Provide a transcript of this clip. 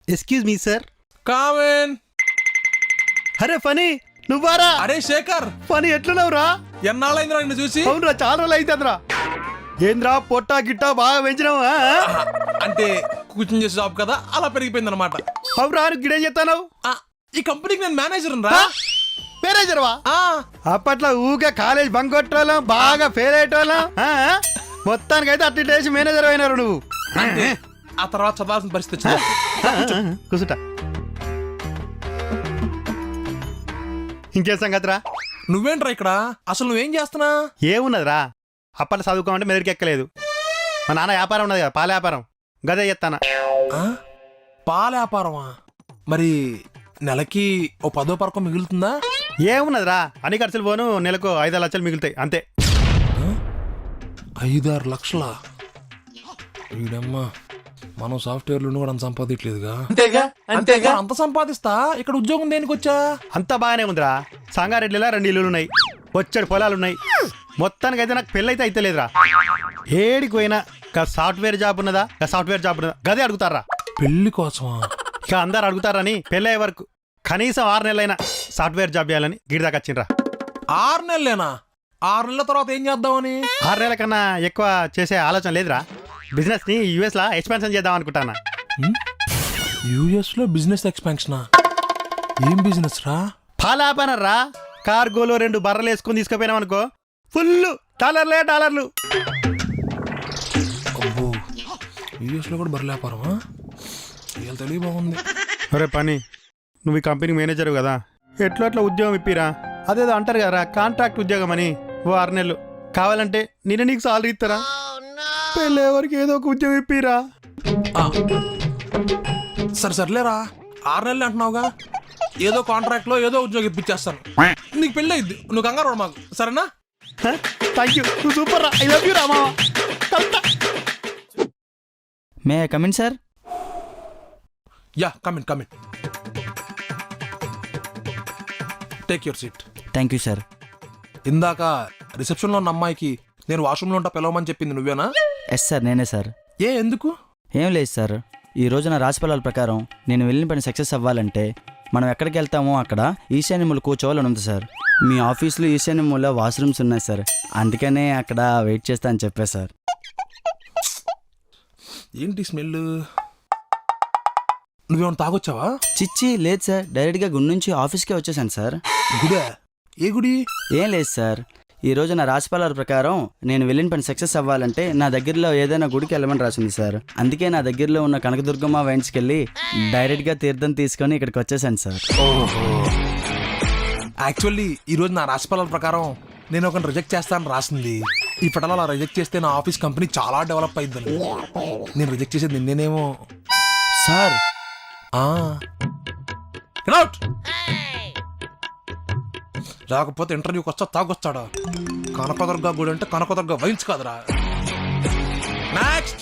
Excuse me sir. కామెన్. అరే funny నువ్వారా? అరే Shekhar, funny ఎట్లున్నావురా? ఎన్నాళ్ళైందిరా నిన్ను చూసి? అవునురా చాలా రోజులు అవుతుందిరా. ఏంద్రా పొట్టా గిట్టా బాగా పెంచినావు? అంటే కూర్చొని చేసే జాబ్ కదా అలా పెరిగిపోయింది అనమాట. అవురా గిడేం చెప్తాను? ఈ కంపెనీకి నేను మేనేజర్ రా. మేనేజర్వా? అప్పట్లో ఊకే కాలేజ్ బంక్ కొట్టోళ్ళం, బాగా ఫెయిల్ అయ్యేటోళ్ళం. మొత్తానికి అయితే అట్లా వేసి మేనేజర్ అయినారు నువ్వు. ఆ తర్వాత చదవాల్సిన పరిస్థితి వచ్చింది. కూసుట. ఇంకేం సంగతిరా? నువ్వేంట్రా ఇక్కడ? అసలు నువ్వేం చేస్తున్నా? ఏమున్నదిరా, అప్పట్లో చదువుకోమంటే మెదడికి ఎక్కలేదు. మా నాన్న వ్యాపారం ఉన్నది కదా, పాల వ్యాపారం, గదే చెప్తానా. పాల వ్యాపారమా? మరి నెలకి ఓ 10వ పరకం మిగులుతుందా? ఏమున్నదిరా, అన్ని ఖర్చులు పోను నెలకు 5-6 లక్షలు మిగులుతాయి అంతే. 5-6 లక్షలా? వీడమ్మా, మనం సాఫ్ట్వేర్లు కూడా అంత సంపాదించలేదుగా. అంత సంపాదిస్తా ఇక్కడ ఉద్యోగం దేనికి వచ్చా? అంతా బాగానే ఉందిరా. సంగారెడ్డిలో 2 ఇల్లులు ఉన్నాయి, వచ్చాడు పొలాలున్నాయి. మొత్తానికి అయితే నాకు పెళ్ళి అయితే అయితేలేదురా. ఏడికి పోయినా సాఫ్ట్వేర్ జాబ్ ఉన్నదా, సాఫ్ట్వేర్ జాబ్ ఉన్నదా గదే అడుగుతారా. పెళ్లి కోసమా? ఇక అందరు అడుగుతారని పెళ్ళి అయ్యే వరకు కనీసం 6 నెలలైనా సాఫ్ట్వేర్ జాబ్ చేయాలని గిడి దాకా వచ్చిండ్రా. 6 నెలలేనా? 6 నెలల తర్వాత ఏం చేద్దామని? 6 నెలల కన్నా ఎక్కువ చేసే ఆలోచన లేదురా. బిజినెస్ ని యుఎస్ లా ఎక్స్పాన్షన్ చేద్దాం అనుకుంటానా. యుఎస్ లో బిజినెస్ ఎక్స్పాన్షనా? ఏం బిజినెస్ రా? పాల వ్యాపారం రా. కార్గోలో 2 బర్రెలు వేసుకొని తీసుకుపోయినాం అనుకో, ఫుల్ డాలర్లే డాలర్లు. అబ్బో, యుఎస్ లో కూడా బర్రెల వ్యాపారమా? ఇవాళ తెలియ బాగుంది. అరే పని, నువ్వు ఈ కంపెనీ మేనేజర్ కదా, ఎట్లా అట్లా ఉద్యోగం ఇప్పిరా. అదేదో అంటారు కదరా, కాంట్రాక్ట్ ఉద్యోగం అని. ఓ 6 నెలలు కావాలంటే నిన్న నీకు సాలరీ ఇస్తారా. పెళ్ళే వరకు ఏదో ఒక ఉద్యోగం ఇప్పిరా. సర్లేరా, 6 నెలలు అంటున్నావుగా, ఏదో కాంట్రాక్ట్ లో ఏదో ఉద్యోగం ఇప్పించేస్తాను. నీకు పెళ్ళి అయింది, నువ్వు కంగారు పడ మాకు, సరేనా? థ్యాంక్ యూ, నువ్వు సూపర్ రా. ఐ లవ్ యూ రా మావా. May I come in sir? Yeah, come in. Take your seat. Thank you sir. ఇందాక రిసెప్షన్లో ఉన్న అమ్మాయికి నేను వాష్రూమ్లో ఉంటా పిలవమని చెప్పింది నువ్వేనా? ఎస్ సార్, నేనే సార్. ఎందుకు? ఏం లేదు సార్, ఈ రోజు నా రాశిఫలాల ప్రకారం నేను వెళ్ళిన పని సక్సెస్ అవ్వాలంటే మనం ఎక్కడికి వెళ్తామో అక్కడ ఈశాన్య మూల కూర్చోవాలని ఉంది సార్. మీ ఆఫీస్లో ఈశాన్య మూల వాష్రూమ్స్ ఉన్నాయి సార్, అందుకనే అక్కడ వెయిట్ చేస్తా అని చెప్పా సార్. ఏంటి స్మెల్? నువ్వేమైనా తాగొచ్చావా? చిచ్చి లేదు సార్, డైరెక్ట్గా గుడి నుంచి ఆఫీస్కే వచ్చేసాను సార్. గుడా? ఏ గుడి? ఏం లేదు సార్, ఈ రోజు నా రాశిఫలాల ప్రకారం నేను వెళ్ళిన పని సక్సెస్ అవ్వాలంటే నా దగ్గరలో ఏదైనా గుడికి వెళ్ళమని రాసింది సార్. అందుకే నా దగ్గరలో ఉన్న కనకదుర్గమ్మ వైన్స్కి వెళ్ళి డైరెక్ట్గా తీర్థం తీసుకొని ఇక్కడికి వచ్చేసాను సార్. యాక్చువల్లీ ఈ రోజు నా రాశిఫలాల ప్రకారం నేను ఒకరిని రిజెక్ట్ చేస్తానని రాసింది. ఈ పటల అలా రిజెక్ట్ చేస్తే నా ఆఫీస్ కంపెనీ చాలా డెవలప్ అయిందని. నేను రిజెక్ట్ చేసేది నిన్నేనేమో సార్. లేకపోతే ఇంటర్వ్యూకి వచ్చా తాగొచ్చాడా? కనకదుర్గ గుడి అంటే కనకదుర్గ వైన్స్ కాదురా. నెక్స్ట్.